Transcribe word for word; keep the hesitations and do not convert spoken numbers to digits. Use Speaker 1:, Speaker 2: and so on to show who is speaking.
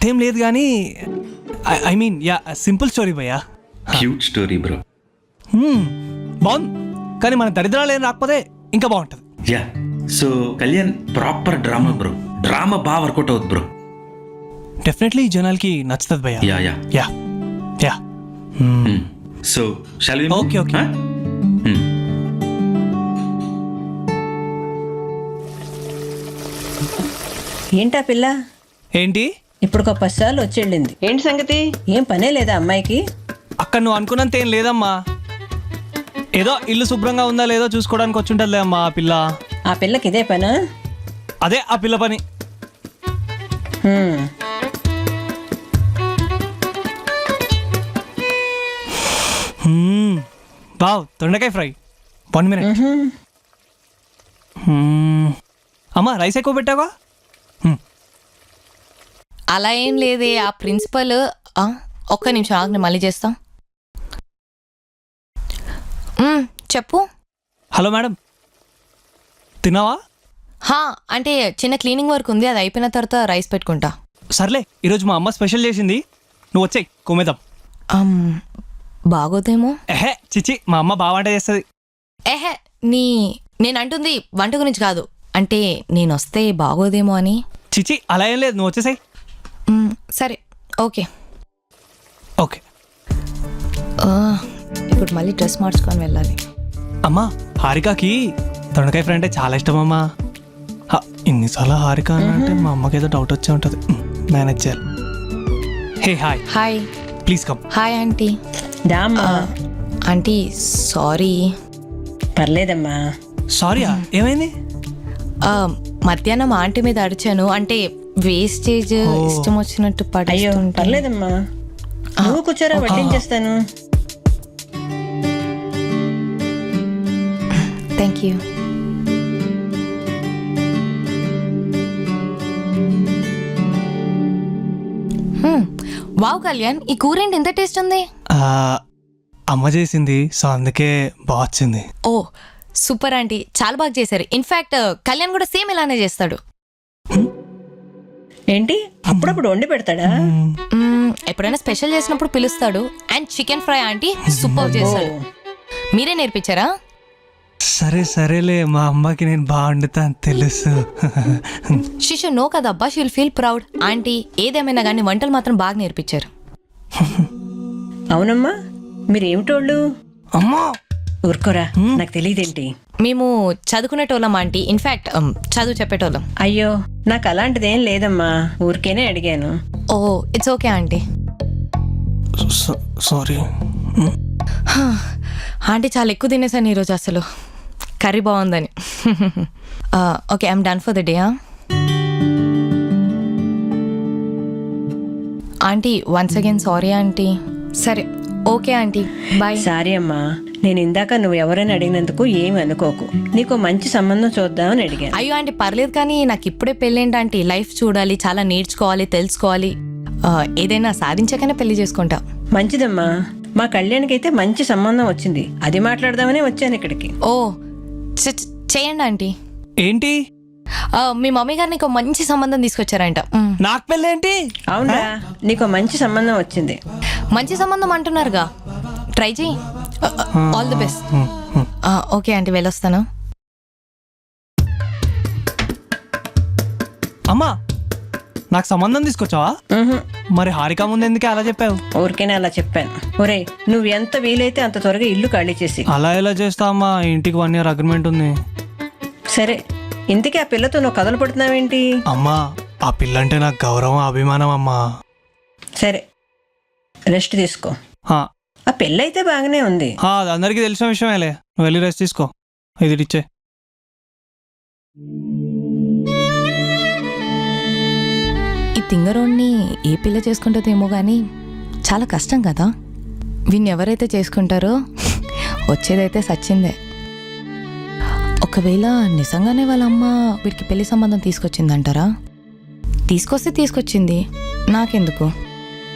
Speaker 1: అంతేం లేదు కానీ I mean ya simple story భయ్యా.
Speaker 2: Cute story bro.
Speaker 1: బాగుంది కానీ మన దరిద్రాలు ఏం రాకపోతే ఇంకా బాగుంటుంది.
Speaker 2: Ya so Kalyan proper drama bro. Drama బాగా వర్కౌట్ అవుతుంది బ్రో.
Speaker 1: డెఫినెట్లీ జనాలకి నచ్చుతుంది భయ్యా.
Speaker 2: Ya ya
Speaker 1: ya ya
Speaker 2: so shall we
Speaker 1: okay okay.
Speaker 3: ఏంటా పిల్ల
Speaker 1: ఏంటి
Speaker 3: ఇప్పుడు ఒక పది సార్లు వచ్చి వెళ్ళింది. ఏంటి సంగతి? ఏం పనే లేదా అమ్మాయికి?
Speaker 1: అక్కడ నువ్వు అనుకున్నంత ఏం లేదమ్మా. ఏదో ఇల్లు శుభ్రంగా ఉందా లేదో చూసుకోవడానికి వచ్చి ఉంటుందిలే అమ్మా ఆ పిల్ల.
Speaker 3: ఆ పిల్లకి ఇదే పనా?
Speaker 1: అదే ఆ పిల్ల పని.
Speaker 3: హ్మ్.
Speaker 1: వావ్ దొండకాయ ఫ్రై. One minute. అమ్మా రైస్ ఎక్కువ పెట్టావా?
Speaker 4: అలా ఏం లేదే. ఆ ప్రిన్సిపల్ ఒక్క నిమిషం ఆగ్ని మళ్ళీ చేస్తాం. మ్మ్, చెప్పు.
Speaker 1: హలో మేడం తిన్నావా?
Speaker 4: హా అంటే చిన్న క్లీనింగ్ వర్క్ ఉంది, అది అయిపోయిన తర్వాత రైస్ పెట్టుకుంటా.
Speaker 1: సర్లే ఈరోజు మా అమ్మ స్పెషల్ చేసింది, నువ్వు వచ్చాయి కొమ్మేద్దాం.
Speaker 4: అమ్, బాగోదేమో.
Speaker 1: ఎహే చిచి మా అమ్మ బాగా వంట చేస్తుంది.
Speaker 4: ఎహే నీ నేను అంటుంది వంట గురించి కాదు, అంటే నేను వస్తే బాగోదేమో అని.
Speaker 1: చిచి అలా ఏం లేదు, నువ్వు వచ్చేసాయి.
Speaker 4: మ్మ్, సరే ఓకే
Speaker 1: ఓకే.
Speaker 4: ఆ, ఇప్పుడు మళ్ళీ డ్రెస్ మార్చుకొని వెళ్ళాలి.
Speaker 1: అమ్మా హారికకి దొండకాయ ఫ్రై అంటే చాలా ఇష్టం అమ్మా. హ, ఇన్నిసార్లు హారిక అని అంటే మా అమ్మకి ఏదో డౌట్ వచ్చే ఉంటుంది. మేనేజ్ చేయాలి. Hey hi.
Speaker 4: Hi.
Speaker 1: Please come.
Speaker 4: Hi aunty.
Speaker 3: దామ్మా.
Speaker 4: Aunty sorry.
Speaker 3: పర్లేదమ్మా.
Speaker 1: సారీయా ఏమైంది?
Speaker 4: మధ్యాహ్నం ఆంటీ మీద అడిచాను, అంటే వేస్టేజ్ ఇష్టం వచ్చినట్టు
Speaker 3: అయ్యో
Speaker 4: పడేస్తుంటే.
Speaker 3: పర్లేదమ్మా, నువ్వు కూర్చోరా, వడ్డించేస్తాను.
Speaker 4: Thank you. వావ్ కళ్యాణ్, ఈ కూర ఏంటి ఇంత టేస్ట్ ఉంది?
Speaker 1: ఆ, అమ్మ చేసింది సో అందుకే బాగా వచ్చింది.
Speaker 4: ఓ సూపర్ ఆంటీ, చాలా బాగా చేశారు. ఇన్ఫాక్ట్ కళ్యాణ్ కూడా సేమ్ ఇలానే చేస్తాడు.
Speaker 3: ఏంటి అప్పుడప్పుడు వండి పెడతాడా?
Speaker 4: మ్మ్, ఎప్పుడైనా స్పెషల్ చేసినప్పుడు పిలుస్తాడు. And chicken fry aunty super చేస్తాడు. మీరే నేర్పించారా?
Speaker 1: సరే సరేలే, మా అమ్మకి నేను బాగా వండుతాను తెలుసు.
Speaker 4: శిషు నో కదబ్బా, షీల్ ఫీల్ ప్రౌడ్. ఆంటీ ఏదేమైనా కానీ వంటలు మాత్రం బాగా నేర్పించారు.
Speaker 3: అవునమ్మా, మీరేమిటోళ్ళు?
Speaker 1: అమ్మా
Speaker 3: ఊరుకోరా, నాకు తెలియదేంటి.
Speaker 4: మేము చదువుకునేటోళ్ళం ఆంటీ, ఇన్ఫాక్ట్ చదువు చెప్పేటోళ్ళం.
Speaker 3: అయ్యో నాకు అలాంటిదేం లేదమ్మా, ఊరికేనే అడిగాను.
Speaker 4: Oh it's okay aunty.
Speaker 1: Sorry.
Speaker 4: Aunty చాలా ఎక్కువ తినేసాను ఈరోజు, అసలు కర్రీ బాగుందని. Okay I'm done for the day. Aunty once again sorry aunty. సరే ఓకే ఆంటీ బాయ్.
Speaker 3: సారీ అమ్మా, నేను ఇందాక నువ్వు ఎవరైనా అడిగినందుకు ఏమి అనుకోకు. నీకు మంచి సంబంధం చూద్దామని అడిగాను.
Speaker 4: అయ్యో ఆంటీ పర్లేదు, కానీ నాకు ఇప్పుడే పెళ్ళేంటి ఆంటీ. లైఫ్ చూడాలి, చాలా నేర్చుకోవాలి, తెలుసుకోవాలి. ఆ, ఏదైనా సాధించాకనే పెళ్లి చేసుకుంటా.
Speaker 3: మంచిదమ్మా, మా కళ్యాణ్కి అయితే మంచి సంబంధం వచ్చింది, అది మాట్లాడదామని వచ్చాను ఇక్కడికి.
Speaker 4: ఓ చ- చ- చేయండి ఆంటీ.
Speaker 1: ఏంటి
Speaker 4: ఆ, మీ మమ్మీ గారు నీకు మంచి సంబంధం తీసుకొచ్చారంట. మ్.
Speaker 1: నాకు పెళ్ళేంటి?
Speaker 3: అవునా, నీకు మంచి సంబంధం వచ్చింది.
Speaker 4: మంచి సంబంధం అంటున్నారుగా, ట్రై చేయి. All the best. Okay aunty వెళ్ళొస్తాను.
Speaker 1: అమ్మా నాకు సంబంధం తీసుకొచ్చావా?
Speaker 3: ఉహుం,
Speaker 1: మరి హారిక ముందు ఎందుకే అలా చెప్పావు?
Speaker 3: ఊరికేనే అలా చెప్పాను. ఒరే నువ్వు ఎంత వీలైతే అంత త్వరగా ఇల్లు ఖాళీ చేసి.
Speaker 1: అలా ఎలా చేస్తా అమ్మా, ఇంటికి వన్ ఇయర్ అగ్రిమెంట్ ఉంది.
Speaker 3: సరే, ఇంతకీ ఆ పిల్లతో నువ్వు కథలు పడుతున్నావేంటి?
Speaker 1: అమ్మా ఆ పిల్ల అంటే నాకు గౌరవం అభిమానం అమ్మా.
Speaker 3: సరే రెస్ట్ తీసుకో.
Speaker 1: హా,
Speaker 3: ఆ పెళ్ళైతే బాగానే ఉంది.
Speaker 1: హా, అది అందరికీ తెలిసిన విషయమేలే. నువ్వు వెళ్ళి రెస్ట్ తీసుకో. ఇది ఇచ్చే.
Speaker 4: ఈ తింగరోడ్ని ఏ పిల్ల చేసుకుంటుందేమో కానీ చాలా కష్టం కదా. వీన్ని ఎవరైతే చేసుకుంటారో వచ్చేదైతే సచ్చిందే. ఒకవేళ నిజంగానే వాళ్ళ అమ్మ వీడికి పెళ్లి సంబంధం తీసుకొచ్చిందంటారా? తీసుకొస్తే తీసుకొచ్చింది, నాకెందుకు.